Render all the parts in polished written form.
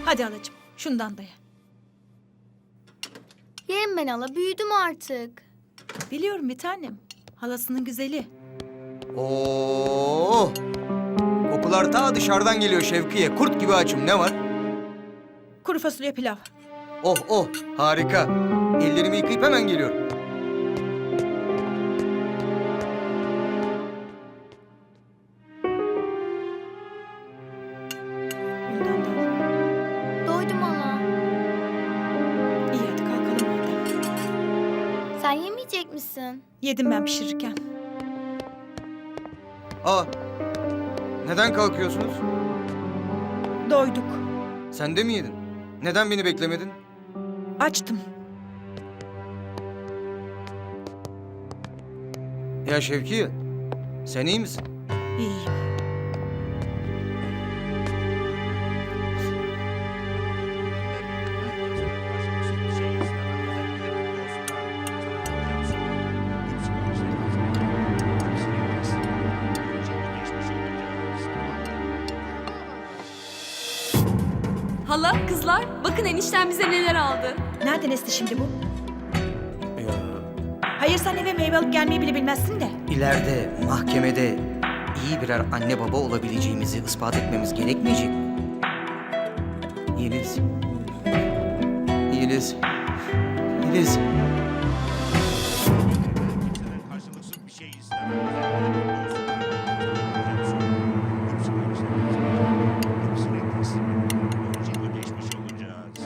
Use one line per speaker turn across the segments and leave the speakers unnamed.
Hadi halacığım, şundan da ye.
Yerim ben hala, büyüdüm artık.
Biliyorum bir tanem. Halasının güzeli.
Oo! Kokular ta dışarıdan geliyor Şevkiye. Kurt gibi açım. Ne var?
Kuru fasulye pilav.
Oh oh, harika. Ellerimi yıkayıp hemen geliyorum.
Bundan da al.
Doydum hala.
İyi hadi kalkalım hadi.
Sen yemeyecek misin?
Yedim ben pişirirken.
Aa, neden kalkıyorsunuz?
Doyduk.
Sen de mi yedin? Neden beni beklemedin?
Açtım.
Ya Şevkiye, sen iyi misin?
İyiyim.
Hala, kızlar, bakın enişten bize neler aldı.
Nereden esti şimdi bu?
Ya,
Hayır sen eve meyve alıp gelmeyi bile bilmezsin de.
ileride mahkemede iyi birer anne baba olabileceğimizi ispat etmemiz gerekmeyecek mi? Yeliz. Yeliz. Yeliz.
Karşılıksız bir şey istemem. Hepsine teslim edin. Böylece ödeşmiş olacağız.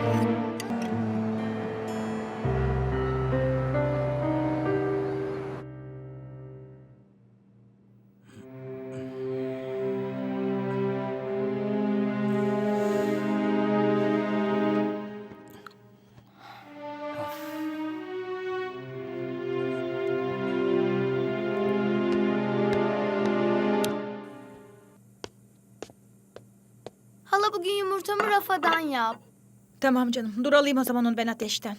Hala bugün yumurtamı rafadan yap.
Tamam canım. Dur alayım o zaman onu ben ateşten.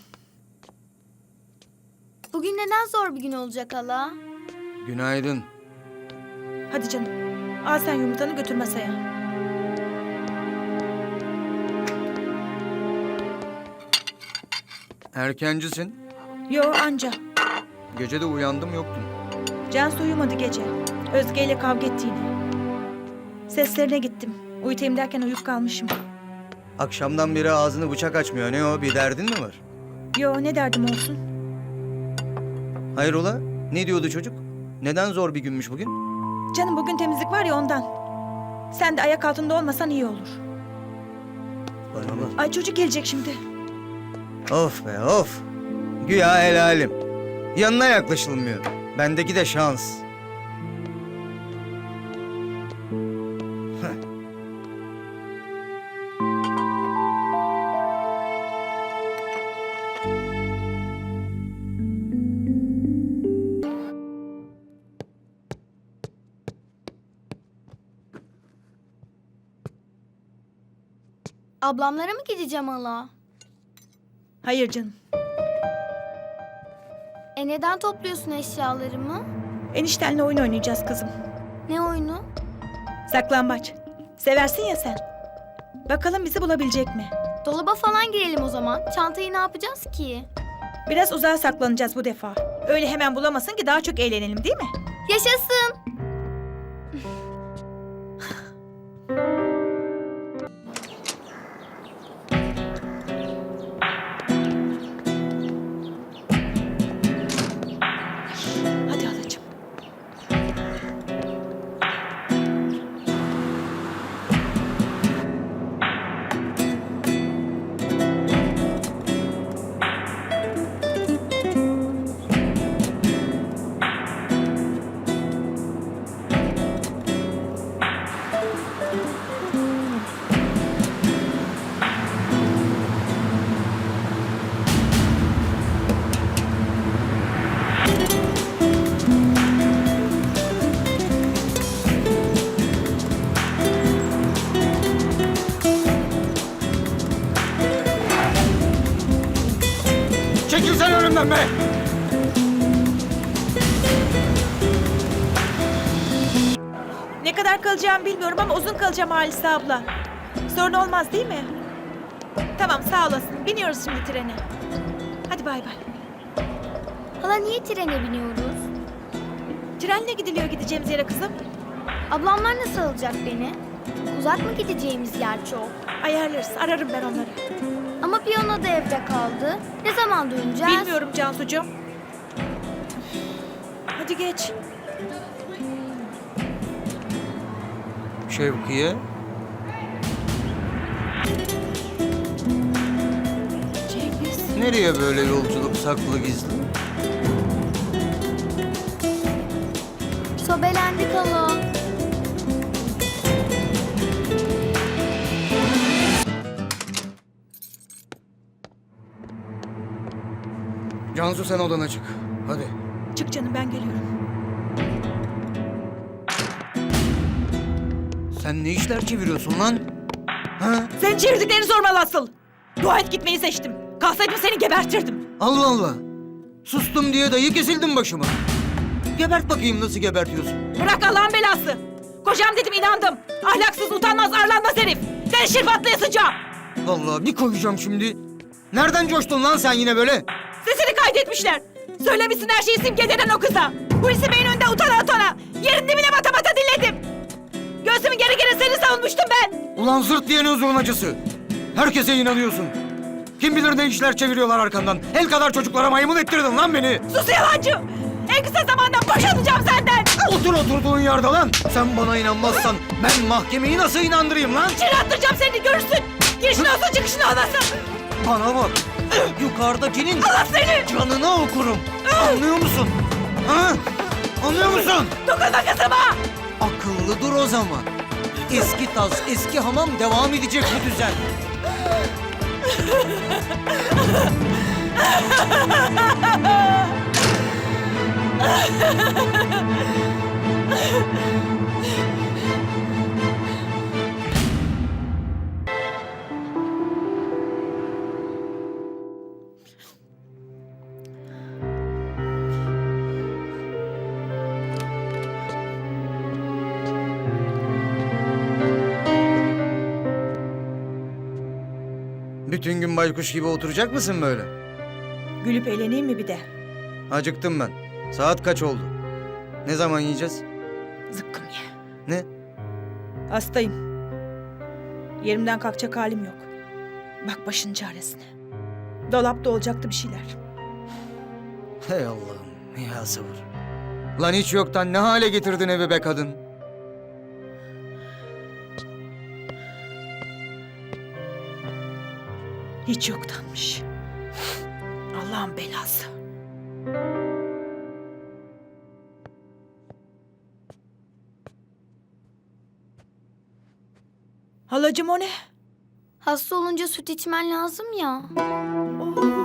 Bugün neden zor bir gün olacak hala?
Günaydın.
Hadi canım. Al sen yumurtanı götür masaya.
Erkencisin.
Yo anca.
Gece de uyandım yoktun.
Cansu uyumadı gece. Özge ile kavga etti yine. Seslerine gittim. Uyutayım derken uyuyup kalmışım.
Akşamdan beri ağzını bıçak açmıyor. Ne o? Bir derdin mi var?
Yo ne derdim olsun.
Hayrola? Ne diyordu çocuk? Neden zor bir günmüş bugün?
Canım bugün temizlik var ya ondan. Sen de ayak altında olmasan iyi olur.
Bana bak.
Ay çocuk gelecek şimdi.
Of be of. Güya helalim. Yanına yaklaşılmıyor. Bendeki de şans. Heh.
Ablamlara mı gideceğim hala?
Hayır canım.
Neden topluyorsun eşyalarımı?
Eniştenle oyun oynayacağız kızım.
Ne oyunu?
Saklambaç. Seversin ya sen. Bakalım bizi bulabilecek mi?
Dolaba falan girelim o zaman. Çantayı ne yapacağız ki?
Biraz uzağa saklanacağız bu defa. Öyle hemen bulamasın ki daha çok eğlenelim değil mi?
Yaşasın!
Hadi halacığım.
Çekil sen önümden be!
Ne kadar kalacağımı bilmiyorum ama uzun kalacağım Halise abla. Sorun olmaz değil mi? Tamam sağ olasın. Biniyoruz şimdi trene. Hadi bay bay.
Hala niye trene biniyoruz?
Trenle gidiliyor gideceğimiz yere kızım.
Ablamlar nasıl alacak beni? Uzak mı gideceğimiz yer çok?
Ayarlarız. Ararım ben onları.
Ama piyano da evde kaldı. Ne zaman döneceğiz?
Bilmiyorum Cansucuğum. Hadi geç.
Şevkiye.
Cengiz.
Nereye böyle yolculuk saklı gizli?
Sobelendik hala.
Cansu sen odana çık. Hadi.
Çık canım ben geliyorum.
Sen ne işler çeviriyorsun lan? Ha?
Sen çevirdiklerini sormalı asıl. Dua et gitmeyi seçtim. Kalsaydım seni gebertirdim.
Allah Allah. Sustum diye dayı kesildin başıma. Gebert bakayım nasıl gebertiyorsun.
Bırak Allah'ın belası. Kocam dedim inandım. Ahlaksız, utanmaz, arlanmaz herif. Seni şirpatlayasıca.
Vallahi bir koyacağım şimdi. Nereden coştun lan sen yine böyle?
Sesini kaydetmişler. Söylemişsin her şeyi simgelenen o kıza. Hulusi Bey'in önünde utana utana. Yerin dibine bata bata dinledim. Göğsümün geri geri seni savunmuştum ben.
Ulan zırt diyen özrün acısı. Herkese inanıyorsun. Kim bilir ne işler çeviriyorlar arkandan. El kadar çocuklara maymun ettirdin lan beni.
Sus yalancı. En kısa zamanda boşanacağım senden.
Otur oturduğun yerde lan. Sen bana inanmazsan ben mahkemeyi nasıl inandırayım lan?
İçeri attıracağım seni görürsün. Girişin olsun çıkışın olmasın.
Bana bak. Yukarıdakinin
Allah seni.
canını okurum. Anlıyor musun? Ha? Anlıyor musun?
Dokunma kızıma.
Akıllı dur o zaman. Eski tas, eski hamam devam edecek bu düzen. Bütün gün baykuş gibi oturacak mısın böyle?
Gülüp eğleneyim mi bir de?
Acıktım ben. Saat kaç oldu? Ne zaman yiyeceğiz?
Zıkkım ye.
Ne?
Hastayım. Yerimden kalkacak halim yok. Bak başın çaresine. Dolapta olacaktı bir şeyler.
Hey Allah'ım ya sabır. Lan hiç yoktan ne hale getirdin evi be kadın?
Hiç yoktanmış. Allah'ın belası. Halacığım o ne?
Hasta olunca süt içmen lazım ya.
Oh.